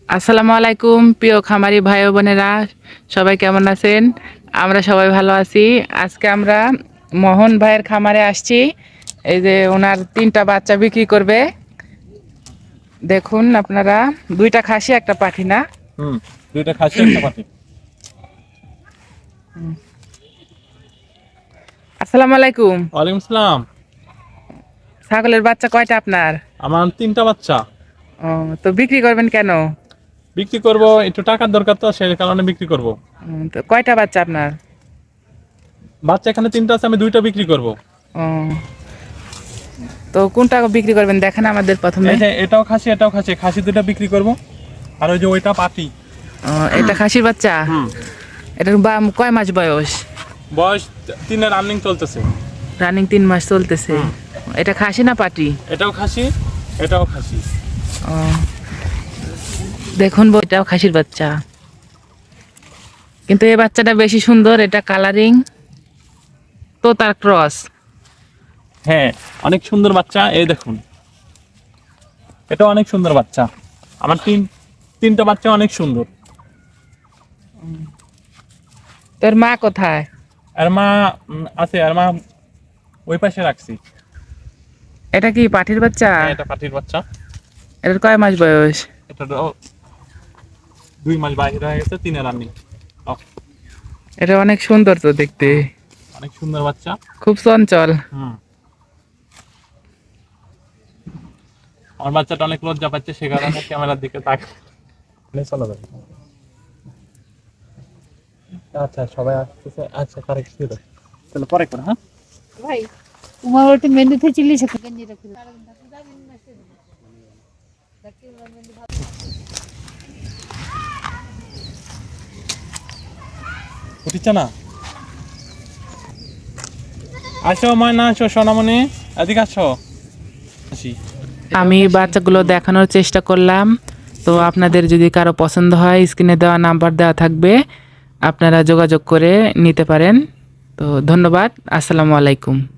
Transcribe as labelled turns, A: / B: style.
A: আসসালামু আলাইকুম প্রিয় খামারি ভাই ও বোনেরা, সবাই কেমন আছেন? আমরা সবাই ভালো আছি। আজকে আমরা মোহন ভাইয়ের খামারে আসছি। এই যে ওনার 3টা বাচ্চা বিক্রি করবে। দেখুন আপনারা, 2টা খাসি একটা পাঠি না?
B: হুম, দুইটা খাসি একটা পাঠি।
A: আসসালামু আলাইকুম।
B: ওয়ালাইকুম আসসালাম।
A: ছাগলের বাচ্চা কয়টা আপনার?
B: আমার 3টা বাচ্চা।
A: ও, তো বিক্রি করবেন কেন?
B: বিক্রি করব, একটু টাকার দরকার, তো সেই কারণে বিক্রি করব।
A: তো কয়টা বাচ্চা আপনার?
B: বাচ্চা এখানে 3টা আছে, আমি 2টা বিক্রি করব।
A: ও, তো কোনটা বিক্রি করবেন দেখেন আমাদের প্রথমে।
B: এই যে এটাও খাসি, এটাও খাসি, খাসি 2টা বিক্রি করব। আর ওই যে ওইটা পাঠি।
A: ও, এটা খাসির বাচ্চা।
B: হুম,
A: এটার কয় মাস বয়স?
B: বয়স 3 রানিং চলতেছে।
A: রানিং 3 মাস চলতেছে।
B: হুম।
A: এটা খাসি না পাটি?
B: এটাও খাসি, এটাও খাসি।
A: ও, দেখুন এটাও খাসির বাচ্চা, কিন্তু এই বাচ্চাটা বেশি সুন্দর। এটা কালারিং তো তার ক্রস।
B: হ্যাঁ, অনেক সুন্দর বাচ্চা। এই দেখুন, এটা অনেক সুন্দর বাচ্চা। আমার 3টা বাচ্চা অনেক সুন্দর।
A: তোর মা কোথায়?
B: আর মা আছে, আর মা ওই পাশে রাখছি।
A: এটা কি পাঠির বাচ্চা?
B: হ্যাঁ, এটা পাঠির বাচ্চা।
A: এটার কয় মাস বয়স?
B: এটা 2 মাস বাইরে হয়ে গেছে, 3 রানিং।
A: এটা অনেক সুন্দর তো দেখতে,
B: অনেক সুন্দর বাচ্চা।
A: খুব চঞ্চল।
B: হুম, আমার বাচ্চাটা অনেক লজ্জা পাচ্ছে, সে কারণে ক্যামেরার দিকে চলে যাবে। আচ্ছা, সবাই আসতেছে। আচ্ছা, কারেক্ট ছিল। তাহলে পরে করে, হ্যাঁ
C: भाई तुम्हारा तो मेनू थे चिल्ली सकते गंजी रख दो
B: উঠিচ্ছে না। আসো ময়না, আসো সোনামণি, এদিকে আসো। আসি।
A: আমি বাচ্চাগুলো দেখানোর চেষ্টা করলাম। তো আপনাদের যদি কারো পছন্দ হয়, স্ক্রিনে দেওয়া নাম্বার দেওয়া থাকবে, আপনারা যোগাযোগ করে নিতে পারেন। তো ধন্যবাদ। আসসালামু আলাইকুম।